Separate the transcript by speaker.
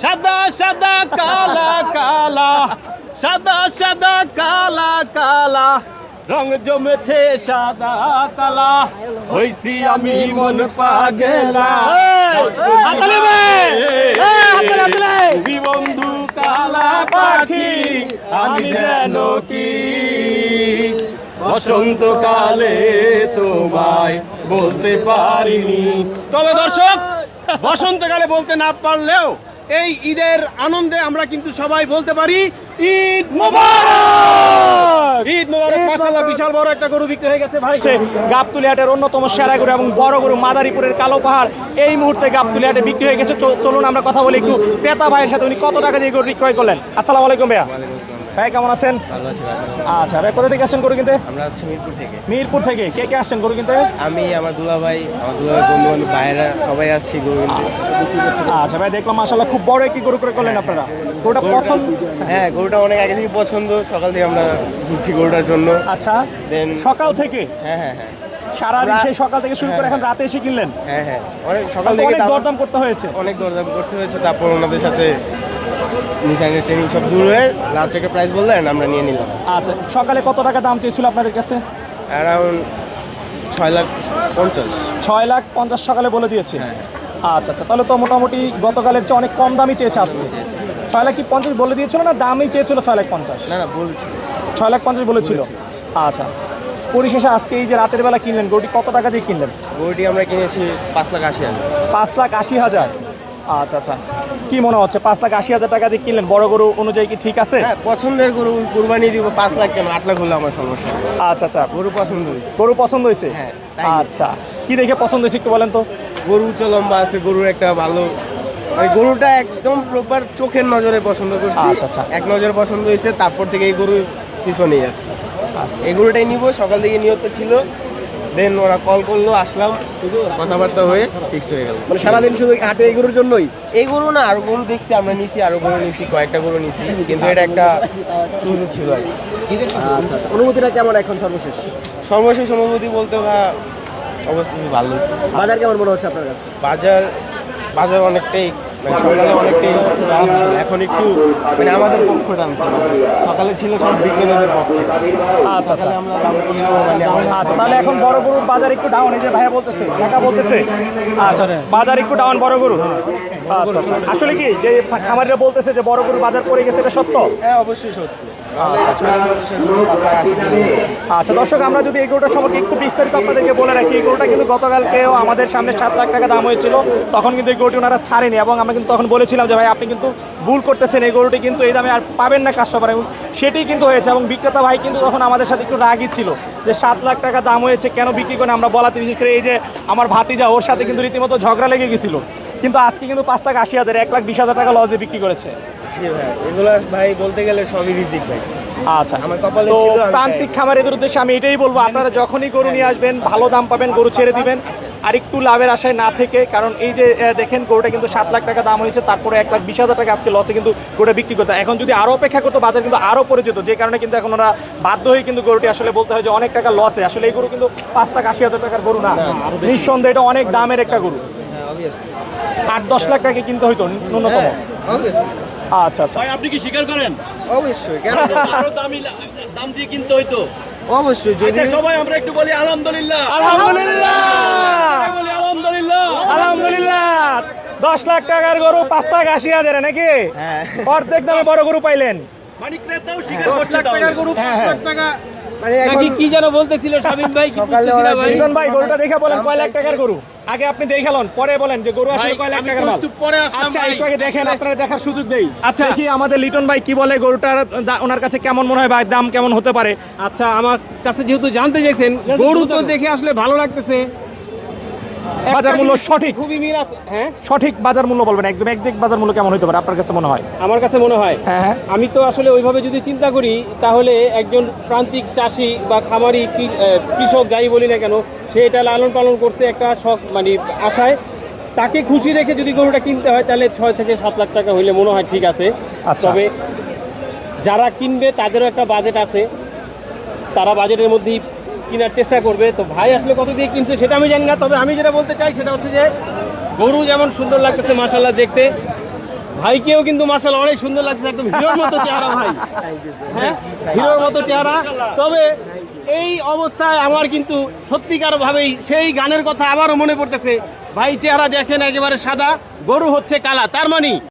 Speaker 1: সাদা সাদা কালা কালা, সাদা সাদা কালা কালা, রং জমেছে সাদা কালা, হইছি আমি মন পাগলা। তুমি বন্ধু কালা পাখি, আমি যেন কি বসন্তকালে তোমায় বলতে পারিনি। তবে দর্শক, বসন্তকালে বলতে না পারলেও এই ঈদের আনন্দে আমরা কিন্তু সবাই বলতে পারি ঈদ মোবারক। ঈদ মোবারক। মাশাআল্লাহ, বিশাল বড় একটা গরু বিক্রি হয়ে গেছে ভাই।
Speaker 2: গাবতলী হাটের অন্যতম সেরা গরু এবং বড় গরু মাদারীপুরের কালো পাহাড় এই মুহূর্তে গাবতলী হাটে বিক্রি হয়ে গেছে। চলুন আমরা কথা বলি একটু ক্রেতা ভাইয়ের সাথে, উনি কত টাকা দিয়ে গরু বিক্রয় করলেন। আসসালামু আলাইকুম ভাইয়া। ভাই কেমন আছেন?
Speaker 3: ভালো আছি ভাই।
Speaker 2: আচ্ছা ভাই, কোথা থেকে আসছেন গরু কিনতে?
Speaker 3: আমরা আসছি মিরপুর থেকে।
Speaker 2: মিরপুর থেকে কে কে আসছেন গরু কিনতে?
Speaker 3: আমি, আমার দুলাভাই, বন্ধু বান্ধব, ভাইয়েরা সবাই আসছি গরু কিনতে।
Speaker 2: আচ্ছা ভাই, দেখলাম মাশাআল্লাহ খুব বড় একটি গরু করে করলেন আপনারা। গরুটা পছন্দ?
Speaker 3: হ্যাঁ, গরুটা অনেক আগে থেকে পছন্দ, সকাল থেকে আমরা ঘুরছি গরুটার জন্য।
Speaker 2: আচ্ছা,
Speaker 3: দেন
Speaker 2: সকাল থেকে?
Speaker 3: হ্যাঁ হ্যাঁ হ্যাঁ,
Speaker 2: সারাদিন সেই সকাল থেকে শুরু করে এখন রাতে এসে কিনলেন?
Speaker 3: হ্যাঁ হ্যাঁ, অনেক সকাল থেকে
Speaker 2: অনেক দরদাম করতে হয়েছে।
Speaker 3: অনেক দরদাম করতে হয়েছে, তারপর ওনাদের সাথে মিসআন্ডারস্ট্যান্ডিং সব দূর হয়ে লাস্ট একটা প্রাইস বললেন, আমরা নিয়ে নিলাম।
Speaker 2: আচ্ছা, সকালে কত টাকা দাম চেয়েছিল আপনাদের কাছে?
Speaker 3: অ্যারাউন্ড 6,50,000।
Speaker 2: 6,50,000 সকালে বলে দিয়েছে।
Speaker 3: হ্যাঁ।
Speaker 2: আচ্ছা আচ্ছা, তাহলে তো মোটামুটি গতকালের চেয়ে অনেক কম দামই চেয়েছে আজকে। 6,50,000 বলে দিয়েছিল না দামই চেয়েছিল 6,50,000?
Speaker 3: না না, বলছি
Speaker 2: 6,50,000 বলেছিল। আচ্ছা, পরিশেষে আজকে এই যে রাতের বেলা কিনলেন গরুটি কত টাকা দিয়ে কিনলেন?
Speaker 3: গরুটি আমরা কিনেছি 5,80,000।
Speaker 2: 5,80,000। আচ্ছা আচ্ছা, কি মনে হচ্ছে 5,80,000 টাকা দিয়ে কিনলেন? বড় গরু অনুযায়ী কি ঠিক আছে?
Speaker 3: হ্যাঁ, পছন্দের গরু, কুরবানি দিব 5 লাখ কেন, 8 লাখ হলে আমার সমস্যা।
Speaker 2: আচ্ছা আচ্ছা,
Speaker 3: গরু পছন্দ হয়েছে।
Speaker 2: গরু পছন্দ হয়েছে?
Speaker 3: হ্যাঁ, তাই
Speaker 2: আচ্ছা, কি দেখে পছন্দ হয়েছে একটু বলেন তো?
Speaker 3: গরু উচ্চ লম্বা আছে, গরুর একটা ভালো, মানে গরুটা একদম প্রপার চোখের নজরে পছন্দ করছি।
Speaker 2: আচ্ছা, আচ্ছা।
Speaker 3: এক নজরে পছন্দ হয়েছে, তারপর থেকে এই গরু পিছনেই আছে।
Speaker 2: আচ্ছা,
Speaker 3: এই গরুটাই নিব, সকাল থেকে নিয়ত ছিল, দেন ওরা কল করলো, আসলাম, কথাবার্তা হয়ে ফিক্সড হয়ে গেল।
Speaker 2: মানে সারাদিন শুধু হাটে এই গরুর জন্যই?
Speaker 3: এই গরু না, আরো গরু দেখছি, আমরা নিছি, আরো গরু নিছি, কয়েকটা গরু নিছি, কিন্তু এটা একটা সুযোগ ছিল আর কি।
Speaker 2: আচ্ছা, অনুভূতিটা কেমন এখন সর্বশেষ?
Speaker 3: সর্বশেষ অনুভূতি বলতে অবশ্যই ভালো।
Speaker 2: বাজার কেমন মনে হচ্ছে আপনার কাছে?
Speaker 3: বাজার অনেকটাই, মানে সকালে অনেকটাই দাম ছিল, এখন একটু মানে আমাদের পক্ষ টানছে। সকালে ছিল সব বিজ্ঞানীদের পক্ষে।
Speaker 2: আচ্ছা আচ্ছা,
Speaker 3: সকালে আমরা দাম কিনবো, মানে
Speaker 2: আচ্ছা, তাহলে এখন বড় গরুর বাজার একটু ডাউন, এই যে ভাইয়া বলতেছে, কাকা বলতেছে। আচ্ছা, বাজার একটু ডাউন বড় গরু। আচ্ছা আচ্ছা, আসলে কি যে খামারিরা বলতেছে যে বড় গরুর বাজার পড়ে গেছে, এটা সত্য?
Speaker 3: হ্যাঁ, অবশ্যই সত্য।
Speaker 2: আচ্ছা দর্শক, আমরা যদি এই গরুটা সম্পর্কে একটু বিস্তারিত আপনাদেরকে বলে রাখি, এই গরুটা কিন্তু গতকালকেও আমাদের সামনে 7 লাখ টাকা দাম হয়েছিল, তখন কিন্তু এই গরুটি ওনারা ছাড়েনি, এবং আমরা কিন্তু তখন বলেছিলাম যে ভাই আপনি কিন্তু ভুল করতেছেন, এই গরুটি কিন্তু এই দামে আর পাবেন না কাস্টমার, এবং সেটি কিন্তু হয়েছে। এবং বিক্রেতা ভাই কিন্তু তখন আমাদের সাথে একটু রাগই ছিল যে 7 লাখ টাকা দাম হয়েছে, কেন বিক্রি করে আমরা বলাতে, বিশেষ করে এই যে আমার ভাতিজা, ওর সাথে কিন্তু রীতিমতো ঝগড়া লেগে গেছিল, কিন্তু আজকে কিন্তু 5,80,000, 1,20,000 টাকা লসে বিক্রি করেছে।
Speaker 3: এগুলো ভাই বলতে গেলে সবই রিজিক ভাই।
Speaker 2: আচ্ছা,
Speaker 3: আমার কপালে
Speaker 2: তো
Speaker 3: ছিল,
Speaker 2: প্রান্তিক খামারিদের উদ্দেশ্যে আমি এটাই বলবো, আপনারা যখনই গরু নিয়ে আসবেন ভালো দাম পাবেন, গরু ছেড়ে দিবেন, আর একটু লাভের আশায় না থেকে, কারণ এই যে দেখেন গরুটা কিন্তু 7 লাখ টাকা দাম হয়েছে, তারপরে 1,20,000 টাকা আজকে লসে কিন্তু গরুটা বিক্রি করতে। এখন যদি আরও অপেক্ষা করতো বাজার কিন্তু আরও পড়ে যেত, যে কারণে কিন্তু এখন ওরা বাধ্য হয়ে কিন্তু গরুটি আসলে বলতে হয় যে অনেক টাকা লসে। আসলে এই গরু কিন্তু 5,80,000 টাকার গরু না, নিঃসন্দেহে এটা অনেক দামের একটা গরু। 8-10 লাখ টাকা কিনতে হইতো ন্যূনতম। আচ্ছা আচ্ছা,
Speaker 1: ভাই আপনি কি স্বীকার করেন?
Speaker 3: অবশ্যই, কেন
Speaker 1: আরো দাম দিয়ে কিনতে হইতো?
Speaker 3: অবশ্যই। যদি
Speaker 1: আচ্ছা, সবাই আমরা একটু বলি আলহামদুলিল্লাহ।
Speaker 2: আলহামদুলিল্লাহ,
Speaker 1: বলি আলহামদুলিল্লাহ।
Speaker 2: আলহামদুলিল্লাহ। 10 লাখ টাকার গরু 5,80,000 নাকি?
Speaker 3: হ্যাঁ।
Speaker 2: অর্ধেক দামে বড় গরু পাইলেন।
Speaker 1: মানে ক্রেতাও স্বীকার করছে টাকার গরু 5 লাখ টাকা।
Speaker 3: মানে
Speaker 1: নাকি কি যেন বলতেছিল শামিম ভাই, কি
Speaker 3: সকালে
Speaker 1: বুঝতেছি না
Speaker 3: ওরা
Speaker 1: ভাই।
Speaker 2: লিটন ভাই, গরুটা দেখে বলেন কয় লাখ টাকার গরু? আগে আপনি দেখে লন, পরে বলেন যে গরু আসলে কয় লাখ
Speaker 1: আমি
Speaker 2: টাকার মাল।
Speaker 1: একটু পরে আসলাম
Speaker 2: আচ্ছা,
Speaker 1: ভাই।
Speaker 2: একটু আগে দেখেন, আপনারা দেখার সুযোগ দেই। আচ্ছা, দেখি আমাদের লিটন ভাই কি বলে, গরুটার ওনার কাছে কেমন মনে হয় ভাই, দাম কেমন হতে পারে?
Speaker 1: আচ্ছা, আমার কাছে যেহেতু জানতে চাইছেন, গরু তো দেখে আসলে ভালো লাগতেছে,
Speaker 2: বাজার মূল্য সঠিক,
Speaker 1: খুবই মিল আছে। হ্যাঁ,
Speaker 2: সঠিক বাজার মূল্য বলবেন, একদম একজ্যাক্ট বাজার মূল্য কেমন হতে পারে আপনার কাছে মনে হয়?
Speaker 1: আমার কাছে মনে হয়,
Speaker 2: হ্যাঁ হ্যাঁ,
Speaker 1: আমি তো আসলে ওইভাবে যদি চিন্তা করি, তাহলে একজন প্রান্তিক চাষি বা খামারি কৃষক যাই বলি না কেন, সে এটা লালন পালন করছে একটা শখ, মানে আশায়, তাকে খুশি রেখে যদি গরুটা কিনতে হয়, তাহলে 6 থেকে 7 লাখ টাকা হইলে মনে হয় ঠিক আছে।
Speaker 2: আচ্ছা।
Speaker 1: তবে যারা কিনবে তাদেরও একটা বাজেট আছে, তারা বাজেটের মধ্যেই কেনার চেষ্টা করবে। তো ভাই আসলে কত দিয়ে কিনছে সেটা আমি জানি না, তবে আমি যেটা বলতে চাই সেটা হচ্ছে যে গরু যেমন সুন্দর লাগতেছে মাশাআল্লাহ দেখতে, ভাইকেও কিন্তু মাশাআল্লাহ অনেক সুন্দর লাগছে, একদম হিরোর মতো চেহারা ভাই। হ্যাঁ, হিরোর মতো চেহারা। তবে এই অবস্থায় আমার কিন্তু সত্যিকার ভাবেই সেই গানের কথা আবারও মনে পড়তেছে। ভাই চেহারা দেখেন একেবারে সাদা, গরু হচ্ছে কালা, তার মানে